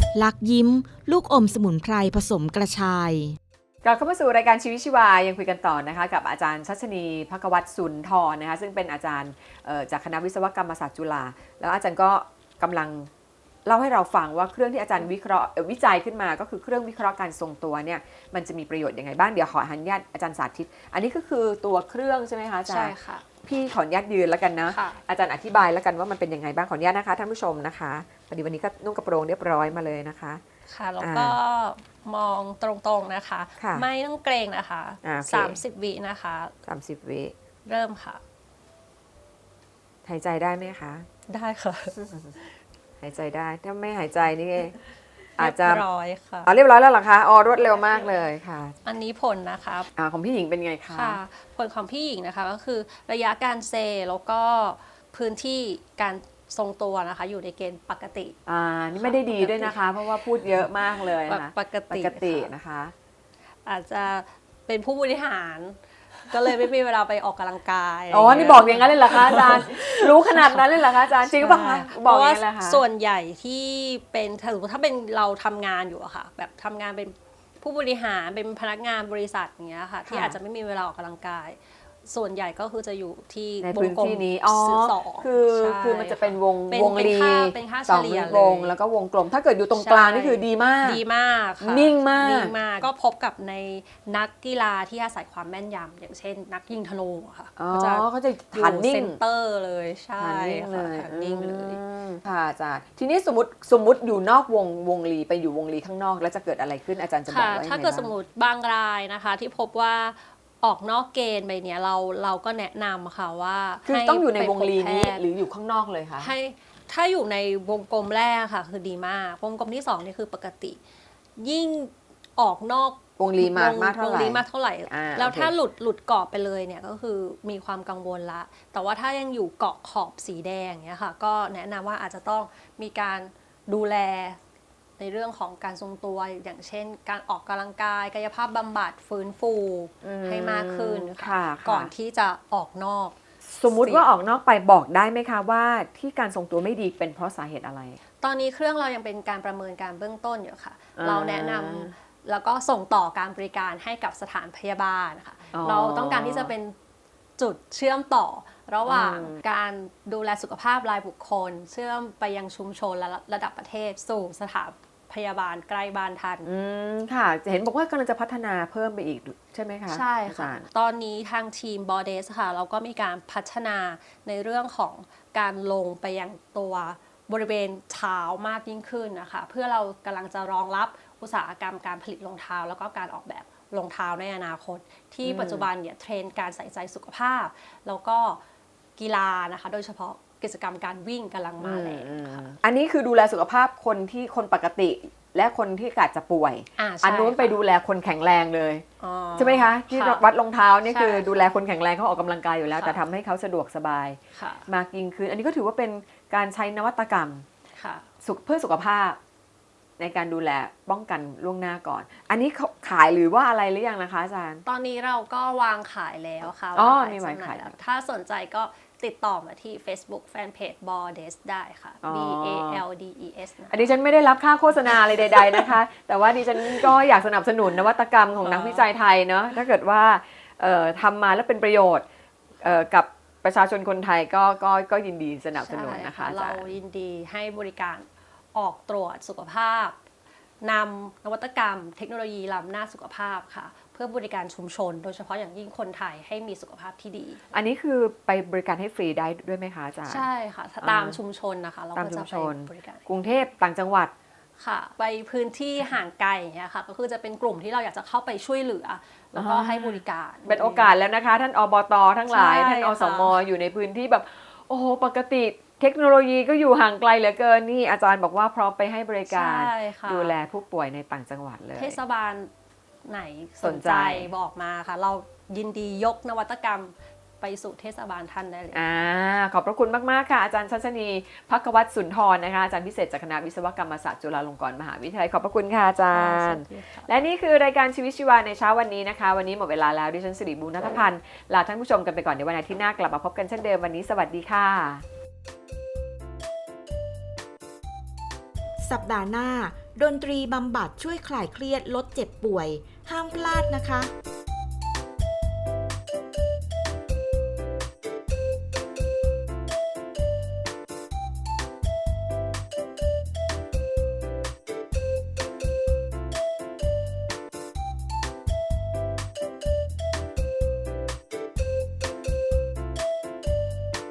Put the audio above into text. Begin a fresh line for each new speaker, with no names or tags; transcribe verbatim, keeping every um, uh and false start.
ลักยิ้มลูกอมสมุนไพรผสมกระชาย
กลับเข้ามาสู่รายการชีวิตชีวายังคุยกันต่อนะคะกับอาจารย์ชัชนีภควัตรสุนทรนะคะซึ่งเป็นอาจารย์จากคณะวิศวกรรมศาสตร์จุฬาแล้วอาจารย์ก็กำลังเล่าให้เราฟังว่าเครื่องที่อาจารย์วิเคราะห์วิจัยขึ้นมาก็คือเครื่องวิเคราะห์การทรงตัวเนี่ยมันจะมีประโยชน์ยังไงบ้างเดี๋ยวขออนุญาตอาจารย์สาธิตอันนี้ก็คือตัวเครื่องใช่ไหมคะอาจารย์
ใช่ค่ะ
พี่ขออนุญาตยืนแล้วกันนะอาจารย์อธิบายแล้วกันว่ามันเป็นยังไงบ้างขออนุญาตนะคะท่านผู้ชมนะคะพอดีวันนี้ก็นุ่งกระโปรงเรียบร้อยมาเลยนะคะ
ค่ะแล้วก็มองตรงๆนะคะไม่ต้องเกรงนะคะสามสิบวินะคะ
สามสิบวิ
เริ่มค่ะ
หายใจได้ไหมคะ
ได้ค่ะ
หายใจได้ถ้าไม่หายใจนี่อาจจะ
เรียบร้อยค่ะ
อ๋อเรียบร้อยแล้วเหรอคะอ๋อรวดเร็วมากเลยค่ะ
อันนี้ผลนะคะ
อ่าของพี่หญิงเป็นไงคะ
ค่ะผลของพี่หญิงนะคะก็คือระยะการเซแล้วก็พื้นที่การทรงตัวนะคะอยู่ในเกณฑ์ปกติ
อ่านี่ไม่ได้ดีด้วยนะคะเพราะว่าพูดเยอะมากเลยนะคะ
ปกติ
ปกตินะคะ
อาจจะเป็นผู้บริหารก็เลยไม่มีเวลาไปออกกำลังกาย
อ๋อนี่บอกอย่างนั้นเลยเหรอคะอาจารย์รู้ขนาดนั้นเลยเหรอคะอาจารย์จริงป่ะคะบอกอย่างนั้นเลยค่ะ
ส่วนใหญ่ที่เป็นถ้าสมมติถ้าเป็นเราทำงานอยู่อะค่ะแบบทำงานเป็นผู้บริหารเป็นพนักงานบริษัทอย่างเงี้ยค่ะที่อาจจะไม่มีเวลาออกกำลังกายส่วนใหญ่ก็คือจะอยู่ที่
ในพื้นที่นี้อ๋อคือคือมันจะเป็นวงวงรี
สอง
วงแล้วก็วงกลมถ้าเกิดอยู่ตรงกลางนี่คือดีมาก
ดีมาก
นิ่งมาก
นิ่งมากก็พบกับในนักกีฬาที่อาศัยความแม่นยำอย่างเช่นนักยิงธนูค่ะ
ก็จะเขาจะฐานนิ่ง
เซนเตอร์เลยใช่
ค่ะ
ฐานนิ่งเลย
ค่ะอาจารย์ทีนี้สมมติสมมติอยู่นอกวงวงรีไปอยู่วงรีข้างนอกแล้วจะเกิดอะไรขึ้นอาจารย์จะบอกว่า
ถ้าเกิดสมมติบางรายนะคะที่พบว่าออกนอกเกณฑ์ไปเนี่ยเราเราก็แนะนำค่ะว่า
คือต้องอยู่ในวงรีนี้หรืออยู่ข้างนอกเลยคะ
ให้ถ้าอยู่ในวงกลมแรกค่ะคือดีมากวงกลมที่สองนี่คือปกติยิ่งออกนอก
วงรีมากมากเท่าไหร่
วงรีมากเท่าไหร่แล้วถ้าหลุดหลุดเกาะไปเลยเนี่ยก็คือมีความกังวลละแต่ว่าถ้ายังอยู่เกาะขอบสีแดงเนี่ยค่ะก็แนะนำว่าอาจจะต้องมีการดูแลในเรื่องของการทรงตัวอย่างเช่นการออกกำลังกายกายภาพบำบัดฟื้นฟูให้มากขึ้นค่ะก่อนที่จะออกนอก
สมมุติว่าออกนอกไปบอกได้ไหมคะว่าที่การทรงตัวไม่ดีเป็นเพราะสาเหตุอะไร
ตอนนี้เครื่องเรายังเป็นการประเมินการเบื้องต้นอยู่ค่ะเราแนะนำแล้วก็ส่งต่อการบริการให้กับสถานพยาบาลค่ะเราต้องการที่จะเป็นจุดเชื่อมต่อระหว่างการดูแลสุขภาพรายบุคคลเชื่อมไปยังชุมชนและระดับประเทศสู่สถานพยาบาลใกล้บ้านท่าน
อืมค่ะเห็นบอกว่ากำลังจะพัฒนาเพิ่มไปอีกใช่ไหมคะ
ใช่ค่ะตอนนี้ทางทีม บอ เดส ค่ะเราก็มีการพัฒนาในเรื่องของการลงไปยังตัวบริเวณเท้ามากยิ่งขึ้นนะคะเพื่อเรากำลังจะรองรับอุตสาหกรรมการผลิตรองเท้าแล้วก็การออกแบบรองเท้าในอนาคตที่ปัจจุบันเนี่ยเทรนด์การใส่ใจสุขภาพแล้วก็กีฬานะคะโดยเฉพาะกิจกรรมการวิ่งกำลังมาแรงค่ะ
อันนี้คือดูแลสุขภาพคนที่คนปกติและคนที่อาจจะป่วยอันนู้นไปดูแลคนแข็งแรงเลยใช่ไหมคะที่วัดรองเท้านี่คือดูแลคนแข็งแรงเขาออกกำลังกายอยู่แล้วแต่ทำให้เขาสะดวกสบายมากยิ่งขึ้นอันนี้ก็ถือว่าเป็นการใช้นวัตกรรมเพื่อสุขภาพในการดูแลป้องกันล่วงหน้าก่อนอันนี้ขายหรือว่าอะไรหรือยังนะคะอาจารย์
ตอนนี้เราก็วางขายแล้วค่ะ
อ๋อมีวางขายแล้ว
ถ้าสนใจก็ติดต่อมาที่ Facebook Fanpage บอ เดส ได้ค่ะ B A L D E S
อันนี้ฉันไม่ได้รับค่าโฆษณาอะไรใดๆนะคะแต่ว่าดิฉันก็อยากสนับสนุนนวัตกรรมของนักวิจัยไทยเนาะถ้าเกิดว่าทำมาแล้วเป็นประโยชน์กับประชาชนคนไทยก็ก็ก็ยินดีสนับสนุนนะคะ
เรายินดีให้บริการออกตรวจสุขภาพนำนวัตกรรมเทคโนโลยีล้ำหน้าสุขภาพค่ะเพื่อบริการชุมชนโดยเฉพาะอย่างยิ่งคนไทยให้มีสุขภาพที่ดี
อันนี้คือไปบริการให้ฟรีได้ด้วยไหมคะอาจารย์
ใช่ค่ะตามชุมชนนะคะเราก็จะไปบริการ
กรุงเทพต่างจังหวัด
ค่ะไปพื้นที่ห่างไกลอย่างเงี้ยค่ะก็คือจะเป็นกลุ่มที่เราอยากจะเข้าไปช่วยเหลือแล้วก็ให้บริการ
เป็นโอกาสแล้วนะคะท่านอบต.ทั้งหลายท่านอสม.อยู่ในพื้นที่แบบโอ้โหปกติเทคโนโลยีก็อยู่ห่างไกลเหลือเกินนี่อาจารย์บอกว่าพร้อมไปให้บริการดูแลผู้ป่วยในต่างจังหวัดเลย
เทศบาลไหนสนใจบอกมาค่ะเรายินดียกนวัตกรรมไปสู่เทศบาลท่านได้เลย
อ่าขอบพระคุณมากๆค่ะอาจารย์ชัชนีภควัตรสุนทรนะคะอาจารย์พิเศษจากคณะวิศวกรรมศาสตร์จุฬาลงกรณ์มหาวิทยาลัยขอบพระคุณค่ะอาจารย์และนี่คือรายการชีวิตชีวาในเช้าวันนี้นะคะวันนี้หมดเวลาแล้วดิฉันสิริบูรณัฐพันธ์ลาท่านผู้ชมกันไปก่อนในวันอาทิตย์หน้ากลับมาพบกันเช่นเดิมวันนี้สวัสดีค่ะ
สัปดาห์หน้าดนตรีบำบัดช่วยคลายเครียดลดเจ็บป่วย ห้ามพลาดนะคะ